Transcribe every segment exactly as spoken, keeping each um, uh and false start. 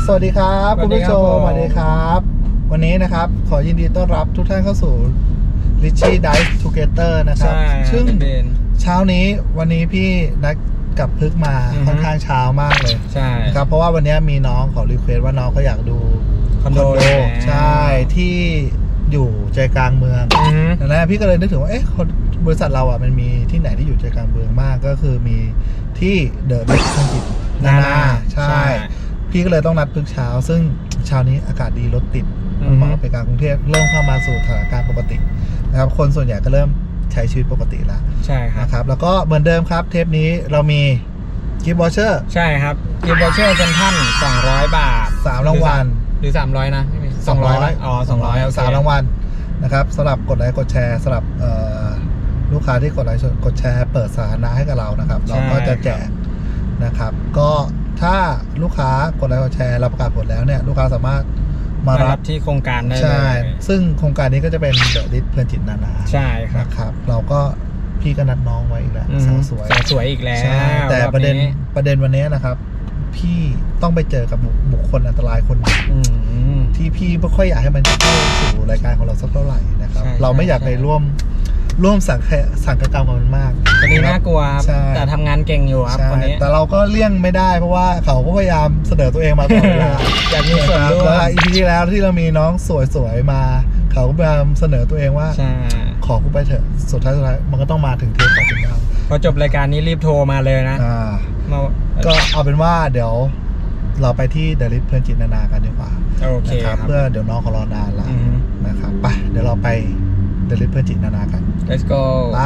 สวัสดีครับคุณผู้ชมสวัสดีครับวันนี้นะครับขอยินดีต้อนรับทุกท่านเข้าสู่ Richie Dive Together นะครับซึ่งเช้านี้วันนี้พี่นัดกับพึกมาค่อนข้างเช้ามากเลยใช่ครับเพราะว่าวันนี้มีน้องขอรีเควสว่าน้องเขาอยากดูคอนโดใช่ที่อยู่ใจกลางเมืองดังนั้นพี่ก็เลยนึกถึงว่าเอ๊ะบริษัทเราอ่ะมันมีที่ไหนที่อยู่ใจกลางเมืองมากก็คือมีที่เดอะบิ๊กคอนจิตนานาใช่พี่ก็เลยต้องนัดพึกเช้าซึ่งเช้านี้อากาศดีรถติดมองไปกลางกรุงเทพเริ่มเข้ามาสู่สถานการณ์ปกตินะครับคนส่วนใหญ่ก็เริ่มใช้ชีวิตปกติแล้วใช่ครับนะครับแล้วก็เหมือนเดิมครับเทปนี้เรามีกิฟต์วอเชอร์ใช่ครับกิฟต์วอเชอร์เป็นท่านสองร้อยบาทสามรางวัลหรือสามร้อยนะสองร้อยอ๋อสองร้อยสามรางวัลนะครับสำหรับกดไลค์กดแชร์สำหรับลูกค้าที่กดไลค์กดแชร์เปิดสาธารณะให้กับเรานะครับเราก็จะแจกนะครับก็ถ้าลูกค้ากดไลค์กดแชร์เราประกาศผลแล้วเนี่ยลูกค้าสามารถมารับที่โครงการได้ใช่ซึ่งโครงการนี้ก็จะเป็นเดอะลิสเพลินจิตนานาใช่ครับครับเราก็พี่ก็นัดน้องไว้อีกแล้วสาวสวยสาวสวยอีกแล้วแต่ประเด็นประเด็นวันนี้นะครับพี่ต้องไปเจอกับบุคคลอันตรายคนหนึ่งที่พี่ไม่ค่อยอยากให้มันเข้าสู่รายการของเราสักเท่าไหร่นะครับเราไม่อยากไปร่วมร่วมสังสังกรรมกับมันมากคนนี้น่ากลัวแต่ทำงานเก่งอยู่ครับคนนี้แต่เราก็เลี่ยงไม่ได้เพราะว่าเขาก็พยายามเสนอตัวเองมาตลอดเวลาอยากมีส่วนร่วมแล้วอีพีที่แล้วที่เรามีน้องสวยๆมาเขาก็พยายามเสนอตัวเองว่าขอกูไปเถอะสุดท้ายสุดท้ายมันก็ต้องมาถึงเทปของคุณเราพอจบรายการนี้รีบโทรมาเลยนะก็เอาเป็นว่าเดี๋ยวเราไปที่เดลิทเพลินจิตนานากันดีกว่าโอเคครับเพื่อเดี๋ยวน้องเขารอนานแล้วนะครับไปเดี๋ยวเราไปเดลิทเพลินจิตนานากัน let's go ไป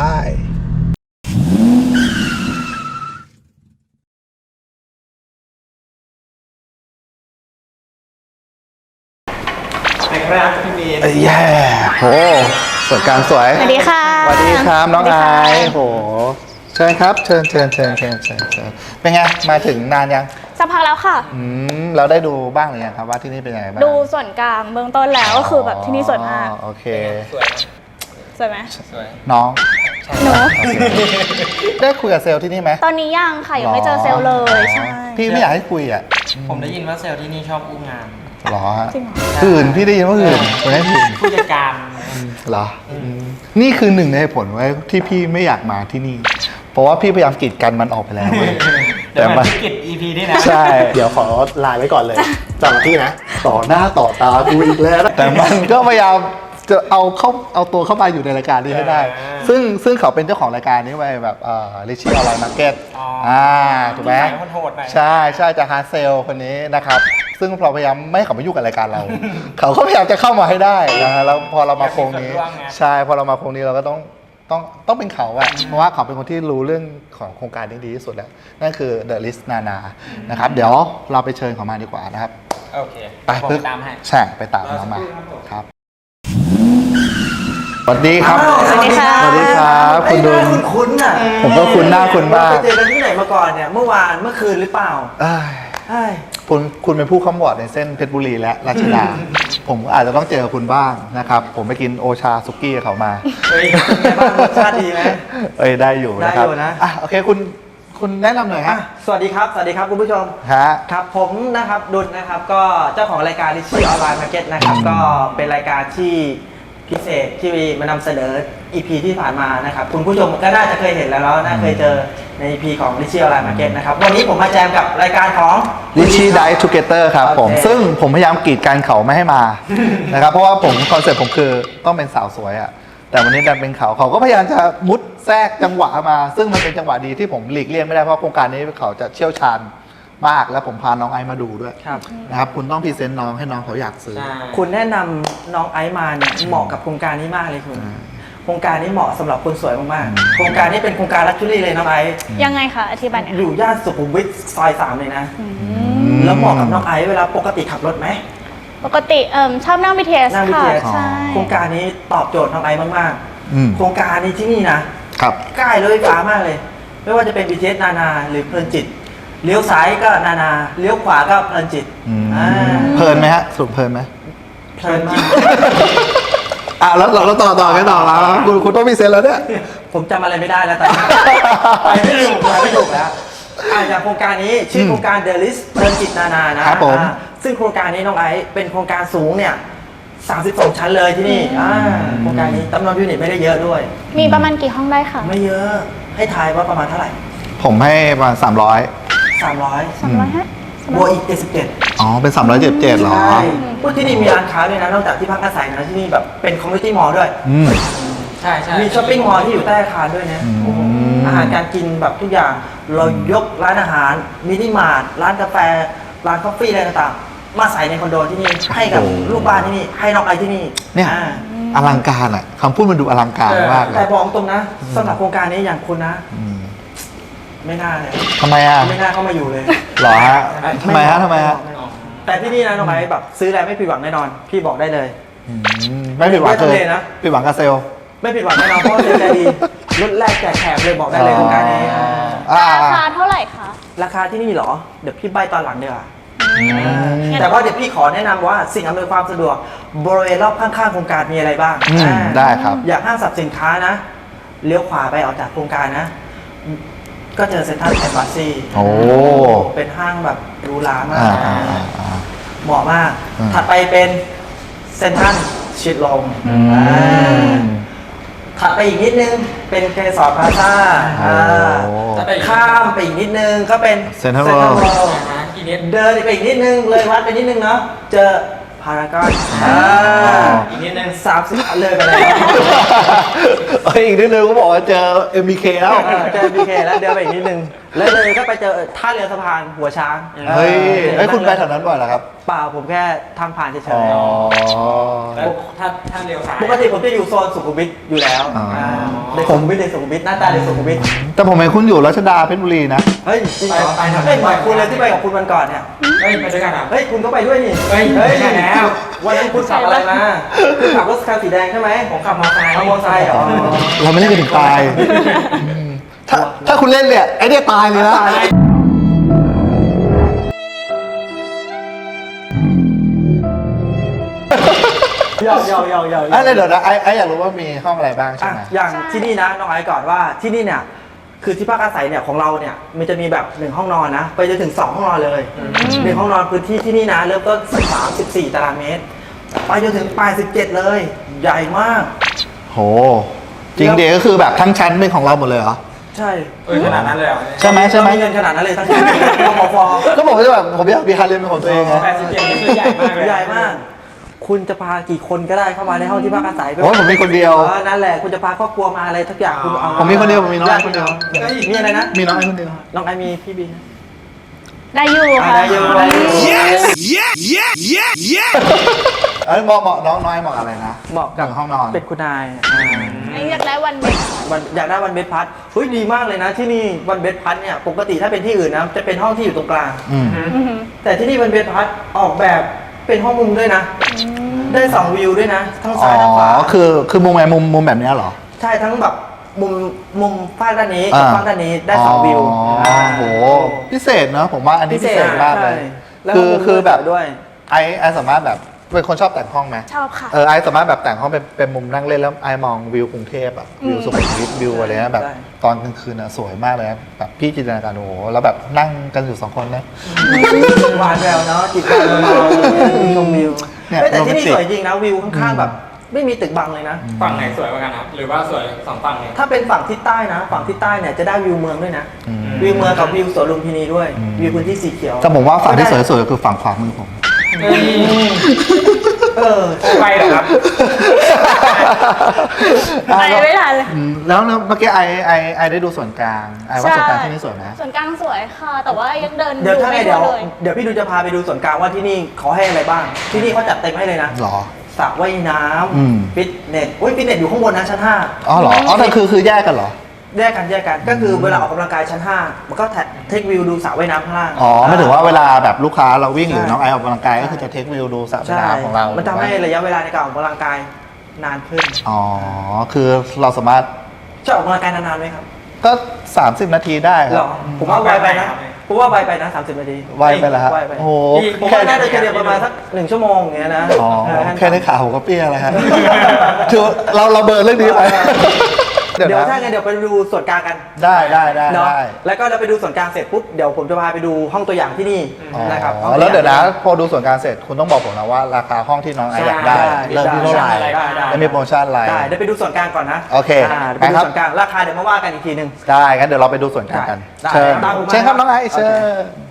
ไปครับพี่มีนแย่โหสวยการสวยสวัสดีค่ะสวัสดีครับน้องไอซ์โหเชิญครับเชิญเชิญเชิญเชิญเชิญเชิญเป็นไงมาถึงนานยังสักพักแล้วค่ะอืมเราได้ดูบ้างหรือยังครับว่าที่นี่เป็นยังไงบ้างดูส่วนกลางเบื้องต้นแล้วก็คือแบบที่นี่สวยมากโอเคสวยสวยไหมสวยน้องหนูได้คุยกับเซลล์ที่นี่ไหมตอนนี้ยังค่ะยังไม่เจอเซลล์เลยใช่พี่ไม่อยากให้คุยอ่ะผมได้ยินว่าเซลล์ที่นี่ชอบอุ้มงานหรอหื่นพี่ได้ยินว่าหื่นคนนี้หื่นผู้จัดการเหรอนี่คือหนึ่งในผลไว้ที่พี่ไม่อยากมาที่นี่เพราะว่าพี่พยายามกีดกันมันออกไปแล้วแต่มันกีด อี พี นี่นะใช่เดี๋ยวขอไลน์ไว้ก่อนเลยจำที่นะต่อหน้าต่อตากูอีกแล้วแต่มันก็พยายามจะเอาเข้าเอาตัวเข้ามาอยู่ในรายการนี้ให้ได้ซึ่งซึ่งเขาเป็นเจ้าของรายการนี้ไว้แบบเอ่อ Richie ออนไลน์มาร์เก็ตอ่าถูกไหมใช่ใช่จะฮาร์ดเซลคนนี้นะครับซึ่งเราพยายามไม่ให้เขามายุ่งกับรายการเราเขาก็พยายามจะเข้ามาให้ได้นะฮะแล้วพอเรามาโครงนี้ใช่พอเรามาโครงนี้เราก็ต้องต้องต้องเป็นเขาอะเพราะว่าเขาเป็นคนที่รู้เรื่องของโครงการนี้ดีที่สุดแล้วนั่นคือ The List นานานะครับเดี๋ยวเราไปเชิญเขามาดีกว่านะครับโอเคไปไปตามให้ใช่ไปตามน้องมาครับสวัสดีครับสวัสดีค่ะสวัสดีครับคุณดุลคุ้นๆอ่ะผมก็คุ้นหน้าคุณมากไปเจอกันที่ไหนมาก่อนเนี่ยเมื่อวานเมื่อคืนหรือเปล่าคุณคุณเป็นผู้ค้ำวอร์ดในเส้นเพชรบุรีและราชดาผมอาจจะต้องเจอคุณบ้างนะครับผมไปกินโอชาซุกี้เขามาเฮ้ยบ้านรสชาติดีไหมเอ้ยได้อยู่นะครับได้อยู่นะอ่ะโอเคคุณคุณแนะนำหน่อยฮะสวัสดีครับสวัสดีครับคุณผู้ชมฮะครับผมนะครับดุลนะครับก็เจ้าของรายการ Richie ออนไลน์มาร์เก็ตนะครับก็เป็นรายการที่พิเศษที่มานำเสนอ อี พี ที่ผ่านมานะครับคุณผู้ชมก็น่าจะเคยเห็นแล้วแล้วน่าเคยเจอใน อี พี ของ Richie ออนไลน์มาร์เก็ตนะครับวันนี้ผมมาแจมกับรายการของ Richie Dive Together ครับผมซึ่งผมพยายามกีดกันเขาไม่ให้มานะครับเพราะว่าผมคอนเซ็ปต์ผมคือต้องเป็นสาวสวยอ่ะแต่วันนี้ดันเป็นเขาเขาก็พยายามจะมุดแทรกจังหวะมาซึ่งมันเป็นจังหวะดีที่ผมหลีกเลี่ยงไม่ได้เพราะโครงการนี้เขาจะเชี่ยวชาญมากแล้วผมพาน้องไอซ์มาดูด้วยนะครับคุณต้องพรีเซนต์น้องให้น้องเขาอยากซื้อคุณแนะนำน้องไอซ์มาเนี่ยเหมาะกับโครงการนี้มากเลยคุณโครงการนี้เหมาะสำหรับคนสวยมากๆโครงการนี้เป็นโครงการลักชัวรี่เลยน้องไอซ์ยังไงคะอธิบายหน่อยอยู่ย่านสุขุมวิทซอยสามเลยนะแล้วเหมาะกับน้องไอซ์เวลาปกติขับรถไหมปกติเอ่อชอบนั่ง บี ที เอสนั่ง บีทีเอสใช่โครงการนี้ตอบโจทย์น้องไอซ์มากๆโครงการนี้ที่นี่นะครับใกล้รถไฟฟ้ามากเลยไม่ว่าจะเป็น บี ที เอส นานาหรือเพลินจิตเลี้ยวซ้ายก็นานาเลี้ยวขวาก็เพลินจิตเพลินไหมฮะสุดเพลินไหมเพลินมากอ่ะแล้วเราต่อต่อกันต่อแล้วคุณคุณต้องมีเซนแล้วเนี่ยผมจำอะไรไม่ได้แล้วตอนนี้ไปไม่ถูกไปไม่ถูกแล้วอ่าอย่างโครงการนี้ชื่อโครงการ The List เดินจิตนานานะครับผมอ่าซึ่งโครงการนี้น้องไอซ์เป็นโครงการสูงเนี่ยสามสิบสองชั้นเลยที่นี่อ่าโครงการนี้จำนวนยูนิตไม่ได้เยอะด้วยมีประมาณกี่ห้องได้ค่ะไม่เยอะให้ทายว่าประมาณเท่าไหร่ผมให้ประมาณสามร้อยสามร้อยสามร้อยฮะบวกอีกเจ็ดสิบเจ็ดอ๋อ เป็นสามร้อยเจ็ดเจ็ดเหรอใช่พูดที่นี่มีร้านค้าด้วยนะนอกจากที่พักอาศัยนะที่นี่แบบเป็นคอมมูนิตี้มอลล์ด้วยอืมใช่ใช่มีช้อปปิ้งมอลล์ที่อยู่ใต้อาคารด้วยนะอืมโอ้โหอาหารการกินแบบทุกอย่าง เรายกร้านอาหารมินิมาร์ทร้านกาแฟ ร้านกาแฟอะไรต่างๆ มาใส่ในคอนโดที่นี่ ให้กับลูกบ้านที่นี่ ให้น้องไอที่นี่เนี่ยอ่าอลังการอ่ะคำพูดมันดูอลังการมากเลแต่ยบอกตรงนะสำหรับโครงการนี้อย่างคุณนะอืมไม่น่าเลยทำไมอ่ะไม่น่าเข้ามาอยู่เลยเหรอฮะทำไมฮะทำไมฮะแต่ที่นี่นะน้องไอแบบซื้อแล้วไม่ผิดหวังแน่นอน พี่บอกได้เลยอืมไม่ผิดหวังไม่เลทำยเลยนะผิดหวังกับเซลล์ไม่ผิดหวังแน่นอนเพราะว่าเซลล์ใจดีรุ่นแรกแจกแถมเลยบอกได้เลยโครงการนี้อ๋ออ่าอ่าราคาเท่าไหร่คะราคาที่นี่เหรอ เดี๋ยวพี่ใบตอนหลังดีกว่างั้นแต่ว่าเดี๋ยวพี่ขอแนะนำว่าสิ่งอำนวยความสะดวกบริเวณรอบข้างๆโครงการมีอะไรบ้างอืมอ่าได้ครับอย่างห้างสรรพสินค้านะเลี้ยวขวาไปออกจากโครงการนะ ก็เจอเซ็นทรัลแอนด์บาซีโอ้เป็นห้างแบบหรูหรามากอ่าอ่าอ่าอ่าเหมาะมากอืมถัดไปเป็นเซ็นทรัลชิดลมอืมอ่าถัดไปอีกนิดนึงเป็นเกสรพลาซ่าอ่าโอ้ข้ามไปอีกนิดนึงก็เป็น Central Central World World อ่าฮะกี่เน็ตเดินไปอีกนิดนึงเลยวัดไปนิดนึงเนาะเจอพารากอนอ่าอีกนิดนึงสามสิบเลยไปแล้วเอ้ยอีกนิดนึงก็บอกว่าเจอ เอ็ม บี เค แล้วเออเจอบีเคแล้วเดินไปอีกนิดนึงแล้วเลยก็ไปเจอท่าเรือสะพานหัวช้างเฮ้ยออเฮ้ย คุณไปแถวนั้นบ่อยเหรอครับเปล่าผมแค่ทางผ่านเฉอ๋อยแล้วถ้าถ้าเร็วซ้ายๆปกติผมจะอยู่โซนสุขุมวิทอยู่แล้วอ๋ออ่าในสุขุมวิทในสุขุมวิทหน้าตาในสุขุมวิทแต่ผมเห็นคุณอยู่รัชดาเพชรบุรีนะเฮ้ยจริงเหรอไปไปทำไมเฮ้ยเหมือนคุณเลยที่ไปกับคุณวันก่อนเนี่ยเฮ้ยไปด้วยกันอ่ะเฮ้ยคุณก็ไปด้วยนี่เฮ้ยไม่ใช่แล้ววันนั้นคุณขับอะไรมาคุณขับรถคันสีแดงใช่ไหมผมขับมอเตอร์ไซค์เอามอเตอร์ไซค์เหรอเราไม่เล่นกันถึงตายอืมถ้าถ้าคุณเล่นเนี่ยไอ้เนี่ยตายเลยนะยาวยาวยาวยาวอ่ะเดี๋ยวนะไอ้ไอ้อยากรู้ว่ามีห้องอะไรบ้างใช่อ่ะไหมอย่างที่นี่นะน้องไอซ์ก่อนว่าที่นี่เนี่ยคือที่พักอาศัยเนี่ยของเราเนี่ยมันจะมีแบบหนึ่งห้องนอนนะ ไปจนถึงสองห้องนอนเลยหนึ่งห้องนอนพื้นที่ที่นี่นะเริ่มต้นสามสิบสี่ตารางเมตร ไปจนถึงแปดสิบเจ็ดเลย ใหญ่มากโห จริงเดียวก็คือแบบทั้งชั้นเป็นของเราหมดเลยเหรอใช่เออขนาดนั้นเลยเหรอใช่ไหมใช่ไหมเราเงินขนาดนั้นเลยทั้งที่รปภก็บอกว่าแบบผมอยากมีคาเรียนเป็นของตัวเองไงแปดสิบเจ็ดนี่คือใหญ่มากเลยใหญ่มาก คุณจะพากี่คนก็ได้เข้ามาในห้องที่พักอาศัยโอ้ยผมมีคนเดียวออนั่นแหละคุณจะพาครอบครัวมาอะไรทุกอย่างคุณเอาผมมีคนเดียวผมมีน้องไอซ์คนเดียวมีอะไรนะมีน้องไอ้คนเดียวน้องไอมีพี่บีนะได้อยู่อ่าค่ะได้อยู่ได้อยู่เอ้ยเหมาะเหมาะน้องน้อยเหมาะอะไรนะเหมาะกับหนึ่งห้องนอนเป็ดคุณนายอ่าไอ้อยากได้วันเบดวันอยากได้วันเบดพัทเฮ้ยดีมากเลยนะที่นี่วันเบดพัทเนี่ยปกติถ้าเป็นที่อื่นนะจะเป็นห้องที่อยู่ตรงกลางอืมอือหือแต่ที่นี่วันเบดพัทออกแบบเป็นห้องมุมด้วยนะ ได้สองวิวด้วยนะ ทั้งอ๋ซ้ายทั้งขวาอ คือ คือมุมไงมุม มุมแบบเนี้ยเหรอใช่ทั้งแบบมุมมุมฝ้ากด้านนี้อ่ากับฝ้ากด้านนี้ได้สองวิวอ๋อโห พิเศษเนอะผมว่าอันนี้พิเศษมากเลยใช่แล้วคือมุมคือแบบด้วยไอไอสามารถแบบเป็นคนชอบแต่งห้องไหมชอบค่ะเออไอสามารถแบบแต่งห้องเป็นเป็นมุมนั่งเล่นแล้วไอมองวิวกรุงเทพอะวิวสุขุมวิทวิวอะไรเงี้ยแบบใช่ตอนกลางคืนอะสวยมากเลยนะแบบพี่จินตนาการโอ้โหแล้วแบบนั่งกันอยู่สองคนนะหวานแววเนาะจิตใจเบาๆชมวิวเนี่ยเฮ้ยแต่ที่นี่โรแมนติกสวยจริงนะวิวข้างๆแบบ ไม่มีตึกบังเลยนะฝั่งไหนสวยกว่ากันครับ หรือว่าสวยสองฝั่งเลยถ้าเป็นฝั่งทิศใต้นะ ฝั่งทิศใต้เนี่ยจะได้วิวเมืองด้วยนะอืมวิวเมืองกับวิวสวนลุมพินีด้วยอืมวิวพื้นที่สีเขียวแต่ผมว่าฝั่งที่สวยๆคือฝั่งขวามือผมเฮ้ยเออไปเหรอครับไปไม่ทันเลยอืมแล้วแล้วเมื่อกี้ไอไอไอได้ดูส่วนกลางไอว่าส่วนกลางที่นี่สวยไหมส่วนกลางสวยค่ะ แต่ว่ายังเดินเดี๋ยวดูถ้าไงไม่เดี๋ทั่ยว วเลยเดี๋ยวพี่ดูจะพาไปดูส่วนกลางว่าที่นี่เขาให้อะไรบ้าง ที่นี่เขาจัดเต็มให้เลยนะหรอสระว่ายน้อืมำฟิตเนสอุ้ยฟิตเนสอยู่ข้างบนนะชั้นห้าอ๋อเหรอ อ๋อแต่คือคือแยกกันเหรอแยกกันแยกกันก็คือเวลาออกกำลังกายชั้นห้ามันก็เทควิวดูสระว่ายน้ำข้างล่างอ๋อไม่ถึงว่าเวลาแบบลูกค้าเราวิ่งหรือน้องไอออกกำลังกายก็คือจะเทควิวดูสระว่ายใช่น้ำของเรามันทำให้ระยะเวลาในการออกกำลังกายนานขึ้นอ๋อ คือเราสามารถชอบออกกำลังกายนานๆไหมครับก็ สามสิบ นาทีได้คหรรับอผมว่าไวไปนะผมว่าไวไปนะสามสิบนาทีไวไปแล้วฮะไวไปโอ้โหผมแค่ว่าน่าจะเฉลี่ยประมาณสักหนึ่งชั่วโมงอย่างเงี้ยนะอ๋อเออแค่ในขาผมก็เปี้ยแล้วฮะถือว่าเราเราเบิร์นเรื่องนี้ไปเดี๋ยวเดี๋ยวนะถ้างั้นเดี๋ยวไปดูส่วนกลางกันได้ได้ได้เนาะได้แล้วก็เราไปดูส่วนกลางเสร็จปุ๊บเดี๋ยวผมจะพาไปดูห้องตัวอย่างที่นี่นะครับอ๋อแล้วเดี๋ยวนะพอดูส่วนกลางเสร็จคุณต้องบอกผมนะว่าราคาห้องที่น้องไออยากได้เริ่มที่เท่าไหร่ได้ได้ได้แล้วมีโปรโมชั่นอะไรได้เดี๋ยวไปดูส่วนกลางก่อนนะโอเคอ่าเดี๋ยวไปดูไปครับส่วนกลางราคาเดี๋ยวมาว่ากันอีกทีหนึงได้งั้นเดี๋ยวเราไปดูส่วนกลางกันได้เชิญตามผมมาเชิญครับน้องไอเชิญ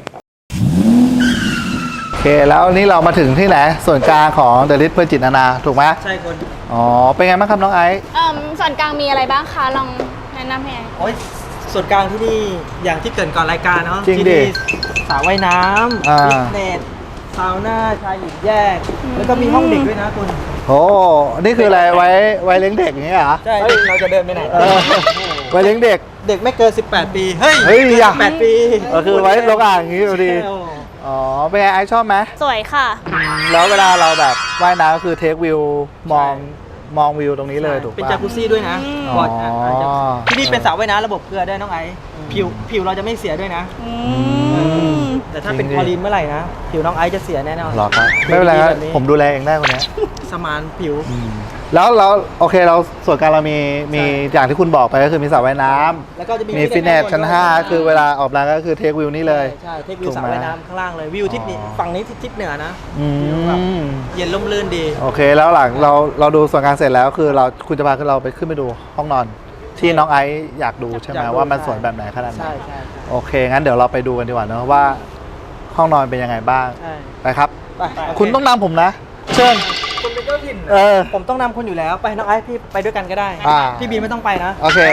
โอเคแล้วนี่เรามาถึงที่ไหนส่วนกลางของเดลิทเพื่อจิตนานาถูกไหมใช่คนอ๋อเป็นไงบ้างครับน้องไอซ์เอ่มส่วนกลางมีอะไรบ้างคะ ลองแนะนำให้ไอโอ้ยส่วนกลางที่นี่อย่างที่เกรินก่อนรายการเนาะจริงที่ดินี่สระว่ายน้อ่าำฟิตเนสซาวน่าชายหญิงแยก แล้วก็มีห้องเด็กด้วยนะคุณโอ้นี่คืออะไรไว้ไว้เลี้ยงเด็กอย่างเงี้ยเหรอใช่เราจะเดินไปไหนเออไว้เลี้ยงเด็กเด็กไม่เกินสิบแปดปีเฮ้ยเฮ้ยอย่าแปดปีก็คือไว้ลงอ่างอย่างงี้ดูดีใช่โอ้อ๋อเป็นไงไอซ์ชอบไหมสวยค่ะแล้วเวลาเราแบบว่ายน้ำก็คือเทควิวมองมองวิวตรงนี้เลยถูกเป็นปะจากุซี่ด้วยนะอืมบอร์ดอ่ะอ๋ออ่ะที่นี่เป็นสระว่ายน้ำระบบเกลือด้วยน้องไอซ์ผิวผิวเราจะไม่เสียด้วยนะอืมแต่ถ้าเป็นคลอรีนเมื่อไหร่นะ ผิวน้องไอซ์จะเสียแน่นอนหรอครับไม่เป็นไรครับแบบนี้ผมดูแลเองได้คนเนี้ยสมานผิวแล้วแล้วโอเคเราส่วนกลางเรามีมีอย่างที่คุณบอกไปก็คือมีสระว่ายน้ำแล้วก็จะมีมีฟิตเนสชั้นห้าคือเวลาออกกำลังก็คือเทควิวนี่เลยใช่เทควิวถูกสระไหมว่ายน้ำข้างล่างเลยวิวทิศนี้อ๋อฝั่งนี้ทิศทิศเหนือนะอืวิวแบบมเย็นร่มรื่นดีโอเคแล้วหลังเราเราดูส่วนกลางเสร็จแล้วคือเราคุณจะพาขึ้นเราไปขึ้นไปดูห้องนอน ที่น้องไอซ์อยากดูใช่ไหมอยากดูว่ามันใช่สวยแบบไหนขนาดไหนใช่ใช่โอเคงั้นเดี๋ยวเราไปดูกันดีกว่าเนอะว่าห้องนอนเป็นยังไงบ้างใช่ไปครับไปไปคุณต้องนำผมนะ เชิญคุณเป็นเจ้าถิ่นเออผมต้องนำคุณอยู่แล้วไปน้องไอซ์พี่ไปด้วยกันก็ได้อ่าพี่บีไม่ต้องไปนะโอเค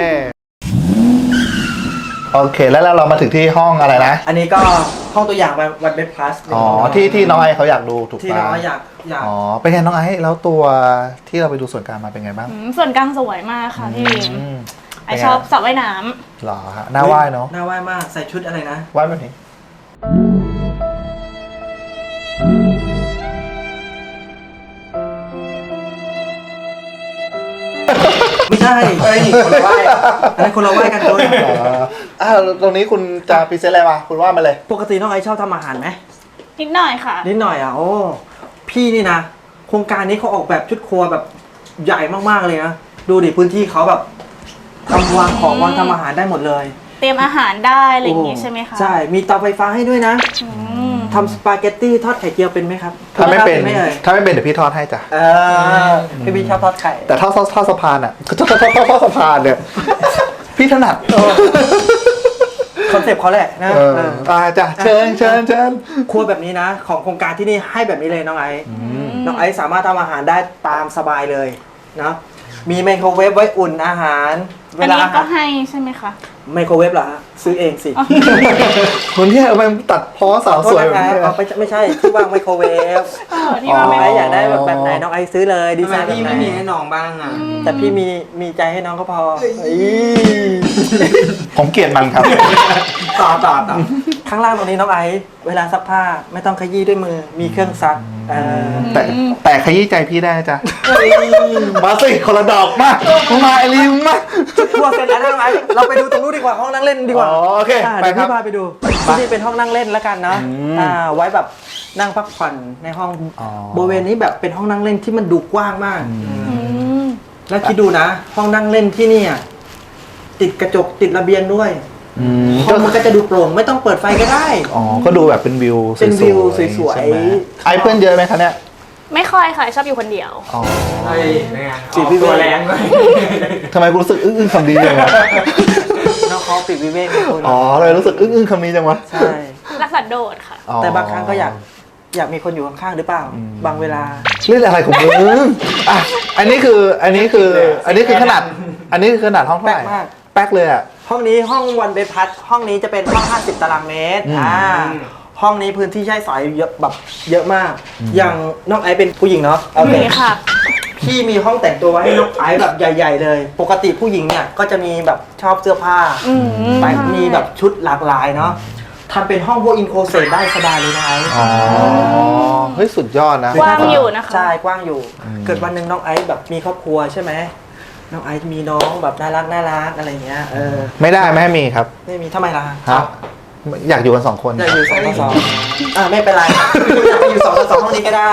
โอเคแล้วเรามาถึงที่ห้องอะไรนะอันนี้ก็ห้องตัวอย่างวันเบสพลัสอ๋อที่ที่น้องไอซ์เขาอยากดูถูกที่ปะน้องไอซ์อยากอยากอ๋อเป็นไงน้องไอซ์แล้วตัวที่เราไปดูส่วนกลางมาเป็นไงบ้างอืมส่วนกลางสวยมากค่ะพี่วินมไอชอบสระว่ายน้เหรอฮะหน้าว่ายเนาะหน้าว่ายมากใส่ชุดอะไรนะว่ายแบบนี้ไม่ใช่เฮ้ยคนละว่ายอันนั้นคนละว่ายกันเลยอ๋ออ่าตรงนี้คุณจะพรีเซนต์อะไรมาคุณว่ามาเลยปกติน้องไอซ์ชอบทำอาหารไหมำนิดหน่อยค่ะนิดหน่อยอ่ะโอ้พี่นี่นะโครงการนี้เขาออกแบบชุดครัวแบบใหญ่มากๆเลยนะดูดิพื้นที่เขาแบบทำวางของวางทำอาหารได้หมดเลยเตรียมอาหารได้อะไรอย่างงี้ใช่ไหมคะใช่มีเตาไฟฟ้าให้ด้วยนะอืมทำสปาเกตตี้ทอดไข่เจียวเป็นไหมครับถ้าไม่เป็นไม่เอ่ยถ้าไม่เป็นเดี๋ยวพี่ทอดให้จ้ะเออพี่บีชอบทอดไข่แต่ถ้าทอดทอดสะพานอ่ะทอดทอดทอดทอดทอดสะพานเนี่ยพี่ถนัดคอนเซปต์เขาแหละนะเออเอออ่าจ้ะเชิญเชิญเชิญครัวแบบนี้นะ ของโครงการที่นี่ให้แบบนี้เลยน้องไอซ์น้องไอซ์สามารถทำอาหารได้ตามสบายเลยนะมีไมโครเวฟไว้อุ่นอาหาร เวอันลานี้อาหาก็รให้ใช่ไหมคะไมโครเวฟเหรอฮะซื้อเองสิคนที่เอาไปตัดพ้อสาวสวยโทษแบบนะนี้เอาไปไม่ใช่ที่วางไมโครเวฟเออที่อ๋อว่าน้องไม่ไอซ์อยากได้แบบแบบไหนน้องไอซ์ซื้อเลยดีไซน์แบบพี่ไหนไม่มีให้น้องบ้างอ่ะแต่พี่มีมีใจให้น้องก็พอเฮ้ยผมเกลียดมันครับต่อต่อต่อข้างล่างตรงนี้น้องไอซ์เวลาซักผ้าไม่ต้องขยี้ด้วยมือมีเครื่องซักเออแต่แต่ขยี้ใจพี่ได้นะจ๊ะมาสิคนละดอกมามึงมาไอรีมึงมาทั่วเสร็จแล้วนะน้องไอซ์เราไปดูตรงนู้นดีกว่าห้องนั่งเล่นดีกว่าอ๋อโอเคอ่าไปเดี๋ยวครัพี่บพาไปดูที่นี่เป็นห้องนั่งเล่นแล้วกันเนาะอืมอ่าไว้แบบนั่งพักผ่อนในห้องอ๋อบริเวณนี้แบบเป็นห้องนั่งเล่นที่มันดูกว้างมากอืมแล้วคิดดูนะ ห้องนั่งเล่นที่นี่อ่ะติดกระจกติดระเบียงด้วยอืมห้องมันก็จะดูโปร่งไม่ต้องเปิดไฟก็ได้อ๋อก็ดูแบบเป็นวิวสวยๆเป็นวิวสวยๆใช่ไหมไอเพื่อนเยอะไหมคะเนี่ยไม่ค่อยค่ะ ชอบอยู่คนเดียวอ๋อเฮ้ยเป็นไงจีออบ กพี่ตัวเวย์แรงเลยทำไมกูรู้สึกอึ้งอึ้งๆคำนี้จังวะน้องเขาปิดวิเวกให้คุณอ๋อเลยรู้สึกอึ้งอึ้งๆคำนี้จังวะใช่รักสันโดษค่ะอ๋อแต่บางครั้งก็อยากอยากมีคนอยู่ข้างๆหรือเปล่า บางเวลาเล่นอะไรของมึงอ่ะอันนี้คืออันนี้คืออันนี้คือขนาด อันนี้คือขนาดห้องเท่าไหร่แป๊กมากแป๊กเลยอ่ะห้องนี้ห้องวันเบพัทห้องนี้จะเป็นห้องห้าสิบตารางเมตรอืมอ่าห้องนี้พื้นที่ใช้สอยเยอะแบบเยอะมาก อย่างน้องไอซ์เป็นผู้หญิงเนาะโอเคมีค่ะพี่มีห้องแต่งตัวไว้ให้น้องไอซ์แบบใหญ่ ๆ เลย ปกติผู้หญิงเนี่ยก็จะมีแบบชอบเสื้อผ้าอืมแต่มีแบบชุดหลากหลายเนาะทำเป็นห้องพวกอินโคเซตได้สบายเลยนะไอซ์อ๋อเฮ้ยสุดยอดนะกว้างอยู่นะคะใช่กว้างอยู่อืมเกิดวันหนึ่งน้องไอซ์แบบมีครอบครัวใช่ไหมน้องไอซ์มีน้องแบบน่ารักน่ารักอะไรเงี้ยเออไม่ได้ไม่ให้มีครับไม่มีทำไมล่ะฮะอยากอยู่กันสองคนอยากอยู่สองต่อสองอ่าไม่เป็นไรอยากอยู่สองต่อสองห้องนี้ก็ได้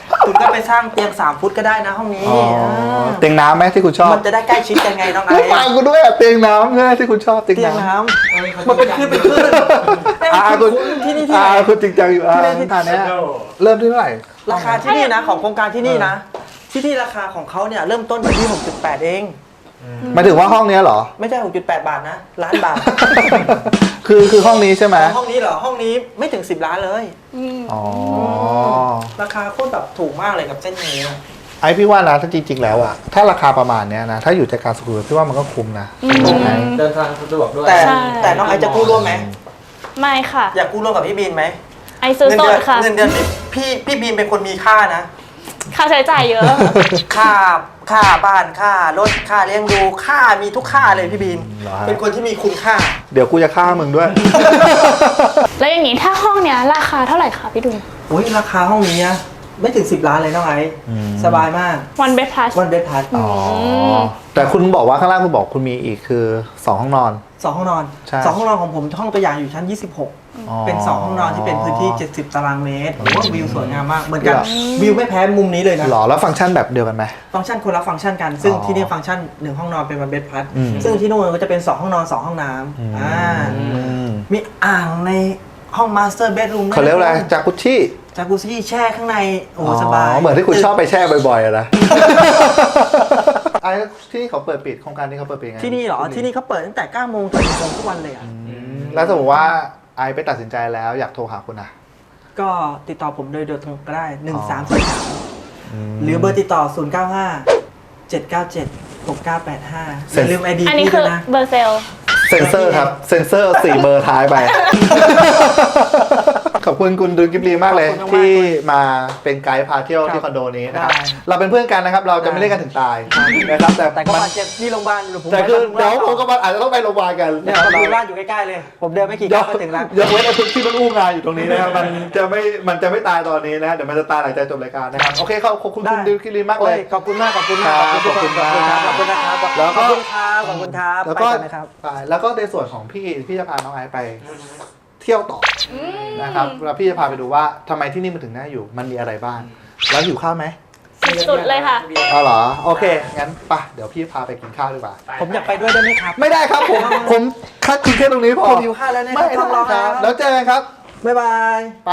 คุณก็ไปสร้างเตียงสามฟุตก็ได้นะห้องนี้อ๋อเตียงน้ำไหมที่คุณชอบมันจะได้ใกล้ชิดกันไงน้องไอไม่ฟังกูด้วยอะเตียงน้ำใช่ไหมที่คุณชอบเตียงเตียงน้ำน้ำมันเป็นคลื่นเป็นคลื่นอ่าคุณที่นี่ที่อ่าไหนคุณจริงจังอยู่อ่าที่ไหนที่ฐานเนี้ยเริ่มที่เท่าไหร่ราคาที่นี่นะของโครงการที่นี่นะ ที่ที่ราคาของเขาเนี่ยเริ่มต้นอยู่ที่ หกจุดแปด เองหมายถึงว่าห้องเนี้ยเหรอไม่ใช่ หกจุดแปด บาทนะล้านบาทคือคือห้องนี้ใช่ไหมห้องนี้เหรอห้องนี้ไม่ถึงสิบล้านเลยอ๋อราคาโคตรแบบถูกมากเลยกับเส้นนี้อะไอพี่ว่านะถ้าจริง ๆ แล้วอะถ้าราคาประมาณเนี้ยนะถ้าอยู่ใจกลางสุขุมวิทพี่ว่ามันก็คุ้มนะอืมไหมเดินทางสะดวกด้วยแต่ใช่แต่น้องไอซ์จะกู้ร่วมไหมไม่ค่ะอยากกู้ร่วมกับพี่บีนไหมไอซื้อเงิสเดืดนค่ะเงินเดือนพี่พี่บีนเป็นคนมีค่านะค่าใช้จ่ายเยอะค่าค่าบ้านค่ารถค่าเลี้ยงดูค่ามีทุกค่าเลยพี่บีนเหรอฮะเป็นคนที่มีคุณค่าเดี๋ยวกูจะฆ่ามึงด้วยแล้วอย่างนี้ถ้าห้องเนี้ยราคาเท่าไหร่คะพี่ดุลโอ้ยราคาห้องนี้นะไม่ถึงสิบล้านเลยน้องไอซ์อืมสบายมาก one bed plus วันเบดพัทอ๋อแต่คุณบอกว่าข้างล่างคุณบอกคุณมีอีกคือสองห้องนอนสองห้องนอนใช่สองห้องนอนของผมห้องตัวอย่างอยู่ชั้นยี่สิบหกอ๋อเป็นสองห้องนอนที่เป็นพื้นที่เจ็ดสิบตารางเมตรโอ้โหวิวสวยงามมากเหมือนกันเหรอวิวไม่แพ้มุมนี้เลยนะหรอแล้วฟังก์ชันแบบเดียวกันไหมฟังก์ชันคนละฟังก์ชันกัน ซึ่งอ๋อที่นี่ฟังก์ชันหนึ่งห้องนอนเป็นวันเบดพัทอืมซึ่งที่นู่นก็จะเป็นสองห้องนอนสองห้องน้อืมำอ่ามีอ่างในห้องมาสเตอร์เบดรูมเขาเรียกอะไรจากกุชชี่จากุซี่แช่ข้างในโอ้โหสบายเหมือนที่คุณชอบไปแช่บ่อยๆอะนะ ไอ้ที่นี่เขาเปิดปิดโครงการนี้เขาเปิดปิดยังไงที่นี่เหรอที่นี่เขาเปิดตั้งแต่เก้าโมงถึงหกโมงทุกวันเลยอ่ะอืมแล้วสมมติว่าไอ้ไปตัดสินใจแล้วอยากโทรหาคุณอะก็ติดต่อผมโดยโดยตรงก็ได้หนึ่งอ๋อสามสี่สามหรือเบอร์ติดต่อศูนย์ เก้า ห้า เจ็ด เก้า เจ็ด หก เก้า แปด ห้าอย่าลืมไอดีอันนี้พี่คืด้อวยนะเบอร์เซลเซนเซอร์ครับ เซนเซอร์สี่เบอร์ท้ายไป ขอบคุณคุณดูกิบลีมากเลยขอบคุณมากๆที่มาเป็นไกด์พาเที่ยวครับที่คอนโดนี้นะครับได้เราเป็นเพื่อนกันนะครับ เราจะไม่เล่นกันถึงตายนะครับแต่แต่ก็มันบาดเจ็บที่โรงพยาบาลเดี๋ยวผมแต่คือไปเดี๋ยวบำรุงผมราษฎร์ก็อาจจะต้องไปโรงพยาบาลกันเนี่ยบำรุงราษฎร์อยู่ใกล้ๆเลย ผมเดินไม่กี่ยก้าก วก็ถึงแล้วยกเว้นไอ้ทุกที่มันอู้งานอยู่ตรงนี้นะครับมันจะไม่มันจะไม่ตายตอนนี้นะเดี๋ยวมันจะตายหลังจากจบรายการนะครับโอเคขอบคุณคุณได้ดูกิบลีมากเลยโอ้ขอบคุณมากขอบคุณมากครับขอบคุณขอบคุณครับครับขอบคุณนะครับแล้วก็ขอบคุณครับขอบคุณครับแล้วไปก็ก่อนนะครับไปแล้วก็ในส่วนของพี่พี่จะพาน้องไอซ์ไปเที่ยวต่ออนะครับแล้วพี่จะพาไปดูว่าทำไมที่นี่มันถึงน่าอยู่มันมีอะไรบ้าง แล้วหิวข้าวไหมสุดๆเลยค่ะอ๋อเหรอโอเคงั้นไปะเดี๋ยวพี่พาไปกินข้าวดีกว่าผมอยากไปด้วยได้ไหมครับไม่ได้ครับผมผมคัดคุณแค่ตรงนี้พอผมหิวข้าวแล้วนะไม่ครับได้ท้องร้องคแล้รัวบแล้วเจอกันครับบ๊ายบายไป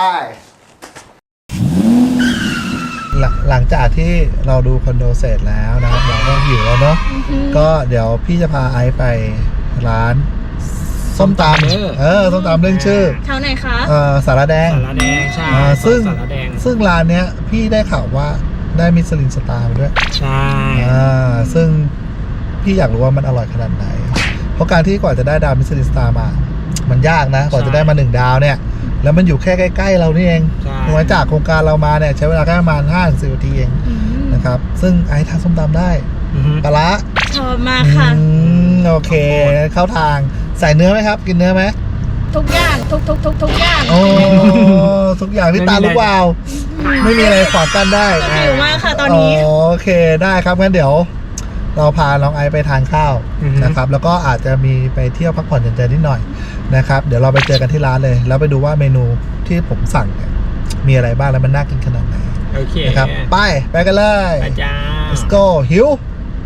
หลังจากที่เราดูคอนโดเสร็จแล้วนะครับเราก็หิวแล้วเนาะก็เดี๋ยวพี่จะพาไอซ์ไปร้านส้มตำเออส้มตำเรื่องชื่อแถวไหนคะเออสารแดงสารแดงใช่อ่าซึ่งสารแดงซึ่งร้านเนี้ยพี่ได้ข่าวว่าได้มิชลินสตาร์มาด้วยใช่อ่าซึ่งพี่อยากรู้ว่ามันอร่อยขนาดไหน เพราะการที่กว่าจะได้ดาวมิชลินสตาร์มา มันยากนะกว่าจะได้มาหนึ่งดาวเนี่ย แล้วมันอยู่แค่ใกล้ๆเรานี่เองมาจากโครงการเรามาเนี่ยใช้เวลาแค่ประมาณห้าถึงสิบนาทีเองนะครับซึ่งไอ้ทานส้มตำได้อือฮึปลาร้าชอบมากค่ะอืมโอเคเข้าทางใส่เนื้อไหมครับ กินเนื้อไหมทุกอย่าง ทุกทุกทุกทุกอย่างโอ้ทุกอย่างที่ตาลูกวาว ไม่มีอะไรขวางกันได้หิวมากค่ะตอนนี้โอเคได้ครับงั้นเดี๋ยว เราพาน้องไอซ์ไปทานข้าวนะครับ แล้วก็อาจจะมีไปเที่ยวพักผ่อนหย่อนใจนิดหน่อยนะครับ เดี๋ยวเราไปเจอกันที่ร้านเลย แล้วไปดูว่าเมนูที่ผมสั่งเนี่ยมีอะไรบ้างแล้วมันน่ากินขนาดไหนโอเคนะครับไปไปกันเลยไปจ้า let's go หิว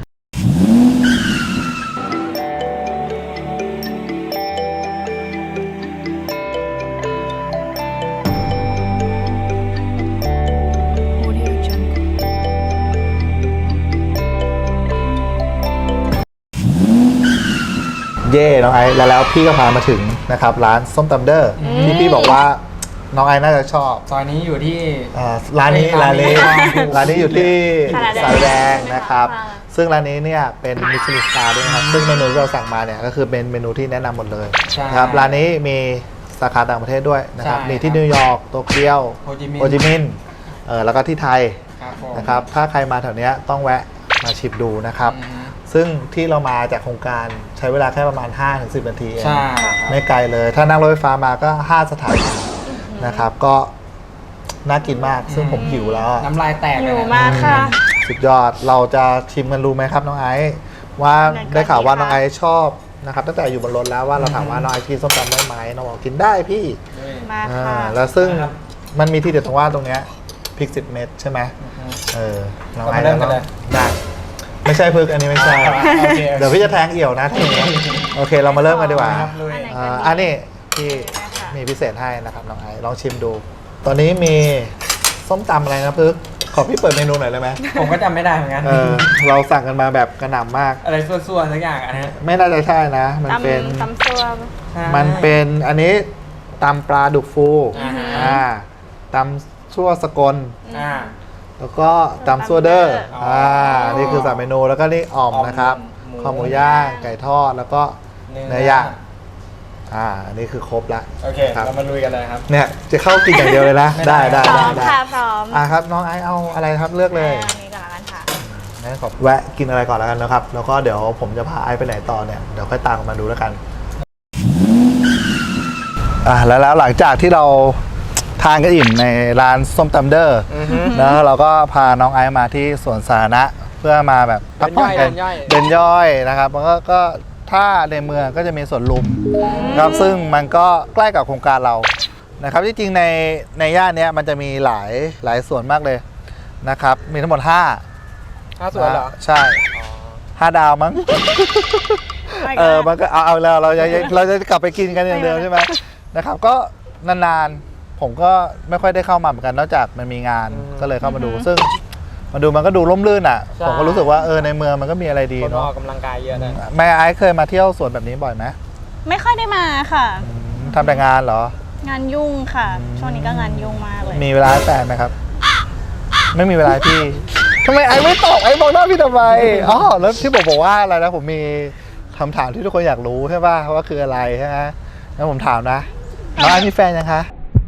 เย่น้องไอซ์แล้วแล้วพี่ก็พามาถึงนะครับร้านส้มตำเดอร์ที่พี่บอกว่าน้องไอซ์น่าจะชอบซอยนี้อยู่ที่อ่าร้านนี้ร้านนี้ร้านนี้อยู่ที่สารแดงสารแดงนะครับค่ะซึ่งร้านนี้เนี่ยเป็นมิชลินสตาร์ด้วยนะครับซึ่งเมนูที่เราสั่งมาเนี่ยก็คือเป็นเมนูที่แนะนำหมดเลยใช่นะครับร้านนี้มีสาขาต่างประเทศด้วยนะครับใช่มีที่ครับนิวยอร์กโตเกียวโฮจิมินห์โฮจิมินห์เออแล้วก็ที่ไทยครับผมนะครับถ้าใครมาแถวเนี้ยต้องแวะมาชิมดูนะครับอือฮึซึ่งที่เรามาจากโครงการใช้เวลาแค่ประมาณ ห้าถึงสิบ นาทีเองใช่ครับไม่ไกลเลย ถ้านั่งรถไฟฟ้ามาก็ ห้า สถานีนะครับ ก็น่ากินมาก ซึ่งผมหิวแล้วอะน้ำลายแตกหิเลยว นะมากค่ะสุดยอด เราจะชิมกันรู้ไหมครับน้องไอซ์ว่านั่นก็ได้ข่าวว่าดีค่ะน้องไอซ์ชอบนะครับตั้งแต่อยู่บนรถแล้วว่าเราถามว่าน้องไอซ์กินส้มตำได้ไหมน้องบอกกินได้พี่มาอ่าค่ะแล้วซึ่งมันมีที่เด็ดตรงว่าตรงเนี้ยพริกสิบเม็ดใช่ไหมเออน้องไอก็มาเริ่มกันเลยได้ไม่ใช่พริกอันนี้ไม่ใช่โอเคเดี๋ยวพี่จะแทงเอี่ยวนะทีนี้โอเคเรามาเริ่มกันดีกว่าครับลุยอ่าอันนี้ที่มีพิเศษให้นะครับน้องไอลองชิมดู ตอนนี้มีส้มตำอะไรนะพึกขอพี่เปิดเมนูหน่อยได้ไหมผมก็จำไม่ได้เหมือนกันเออเราสั่งกันมาแบบกระหน่ำมากอะไรซั่วๆสักอย่างอันนี้ไม่น่าจะใช่นะ มันเป็นตำตำซัวมันเป็นอันนี้ตำปลาดุกฟูอ่าฮะอ่าตำซั่วสกลอ่าแล้วก็ตำซั่วเดอร์อ๋ออ่อ่านี่คือสามเมนูแล้วก็นี่อ่อมอ่อมนะครับหมูข้าวหมูย่างไก่ทอดแล้วก็เนื้อเนื้อย่างอ่าอันนี้คือครบละโอเคครับเรามาลุยกันเลยครับเนี่ยจะเข้ากินอย่างเดียวเลยนะไม่ได้ได้ได้พร้ได้อมได้ค่ะพร้อมอ่าครับน้องไอซ์เอาอะไรครับเลือกเลยอันนี้ก่อนละกันค่ะงั้นขอแวะกินอะไรก่อนแล้วกันนะครับ แล้วก็เดี๋ยวผมจะพาไอซ์ไปไหนต่อเนี่ย เดี๋ยวค่อยตามมาดูแล้วกัน อ่ะแล้วแล้วหลังจากที่เราทานกันอิ่มในร้านส้มตำเดอร์อือฮึนะเราก็พาน้องไอซ์มาที่สวนสาธารณะเพื่อมาแบบพักผ่อนกันเดินย่อยเดินย่อยนะครับมันก็ก็ถ้าในเมืองก็จะมีสวนลุมนะครับซึ่งมันก็ใกล้กับโครงการเรานะครับที่จริงในในย่านเนี้ยมันจะมีหลายหลายส่วนมากเลยนะครับ มีทั้งหมดห้าข้าวสวยเหรอใช่ห้าดาวมั้ง เออ มันก็เอาเอาแล้วเราจะเราจะกลับไปกินกันอย่างเดิมใช่ไหมนะครับ ก็นานๆ ผมก็ไม่ค่อยได้เข้ามาเหมือนกัน นอกจากมันมีงานอืมก็เลยเข้ามาดู ซึ่งมาดูมันก็ดูร่มรื่นอ่ะใช่ผมก็รู้สึกว่าเออในเมืองมันก็มีอะไรดีคนอเนาะอกกำลังกายเยอะนะแม่ไอซ์เคยมาเที่ยวสวนแบบนี้บ่อยไหมไม่ค่อยได้มาค่ะอืมทำแต่งานเหรองานยุ่งค่ะอืมช่วงนี้ก็งานยุ่งมากเลยมีเวลาให้แฟนไหมครับ ไม่มีเวลาให้พี่ทำไมไอซ์ไม่ตอบไอซ์มองหน้าพี่ทำไมอ๋อแล้วที่ผมบอกว่าอะไรนะผมมีคำถามที่ทุกคนอยากรู้ใช่ป่ะว่าคืออะไรใช่ไหมแล้วผมถามนะน้องไอซ์มีแฟนยังคะ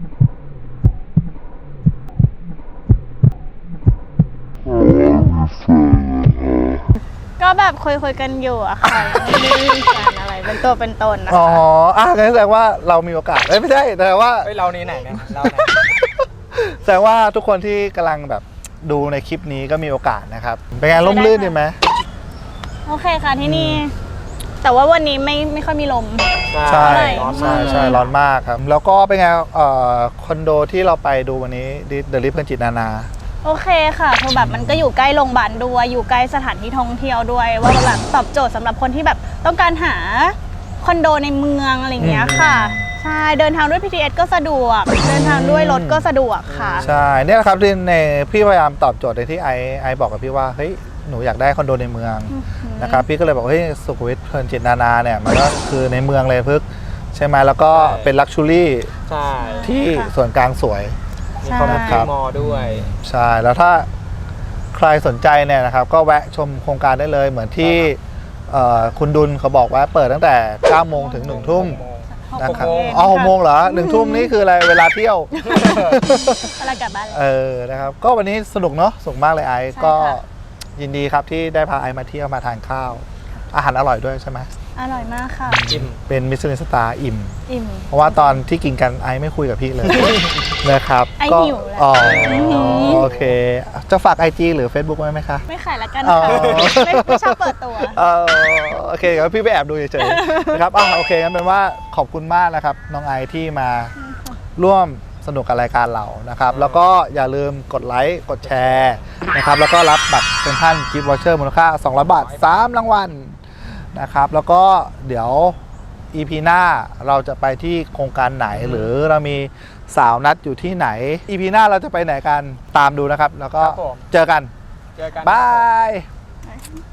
ก็แบบคุยคุยๆกันอยู่อะค่ะยังไม่ได้มีแฟนอะไรเป็นตัวเป็นตนนะอ๋อคะอ่ะงั้นแสดงว่าเรามีโอกาสเอ้ยไม่ใช่แต่ว่าเฮ้ยเรานี่ไหนเนี่ยเราไหนแสดงว่าทุกคนที่กำลังแบบดูในคลิปนี้ก็มีโอกาสนะครับ เป็นไงร่มรื่นดีไหมโอเคค่ะที่นี่ แต่ว่าวันนี้ไม่ไม่ค่อยมีลมใช่ร้อนใช่มากใช่ร้อนมากครับ แล้วก็เป็นไงเอ่อคอนโดที่เราไปดูวันนี้เดลิฟเพลินจิตนานาโอเคค่ะคือแบบมันก็อยู่ใกล้โรงพยาบาลด้วยอยู่ใกล้สถานที่ท่องเที่ยวด้วย ว่าแบบตอบโจทย์สำหรับคนที่แบบต้องการหาคอนโดในเมืองอะไรอย่างเงี้ยค่ะ ใช่เดินทางด้วย พี ที เอส ก็สะดวก เดินทางด้วยรถก็สะดวกค่ะใช่เนี่ยแหละครับที่ในพี่พยายามตอบโจทย์ในที่ไอไอบอกกับพี่ว่าเฮ้ยหนูอยากได้คอนโดในเมืองนะครับพี่ก็เลยบอกเฮ้ยสุขุมวิทเพลินจิตนานาเนี่ยมันก็คือในเมืองเลยพึกใช่ไหมแล้วก็ใช่เป็นลักชูรี่ใช่ที่ส่วนกลางสวยมีคอมมิวนิครัตี้บมอลล์ด้วยใช่แล้วถ้าใครสนใจเนี่ยนะครับก็แวะชมโครงการได้เลยเหมือนที่เอ่อคุณดุลเขาบอกว่าเปิดตั้งแต่เก้าโมงถึงหนึ่งทุ่มนะครับหกโมงอ๋อหกโมงเหรอหนึ่งทุ่มนี่คืออะไรเวลาเที่ยวอะไรกลับบ้านเลยเออนะครับก็วันนี้สนุกเนาะสนุกมากเลยไอซ์ใช่ก็ค่ะยินดีครับที่ได้พาไอซ์มาเที่ยวมาทานข้าว อาหารอร่อยด้วยใช่ไหมอร่อยมากค่ะอิ่มเป็นมิชลินสตาร์อิ่มอิ่มเพราะว่าตอนที่กินกันไอซ์ไม่คุยกับพี่เลย นะครับไอซ์ก็หิวแล้วอ๋ออืมโอเค จะฝาก ไอ จี หรือ Facebook ไว้ไหมคะไม่ขายละกันอ๋อค่ะไม่ไม่ชอบเปิดตัวเออโอเคงั้นพี่ไปแอบดูเฉยๆ นะครับอ่ะโอเคงั้นเป็นว่าขอบคุณมากนะครับ น้องไอซ์ที่มาร่วมสนุกกับรายการเรานะครับ แล้วก็อย่าลืมกดไลค์กดแชร์นะครับ แล้วก็รับบัตรเป็นท่านกิฟต์วอเชอร์มูลค่าสองร้อยบาทสามรางวัลนะครับ แล้วก็เดี๋ยว อี พี หน้าเราจะไปที่โครงการไหนหรือเรามีสาวนัดอยู่ที่ไหน อี พี หน้าเราจะไปไหนกันตามดูนะครับ แล้วก็ครับผมเจอกันเจอกันบาย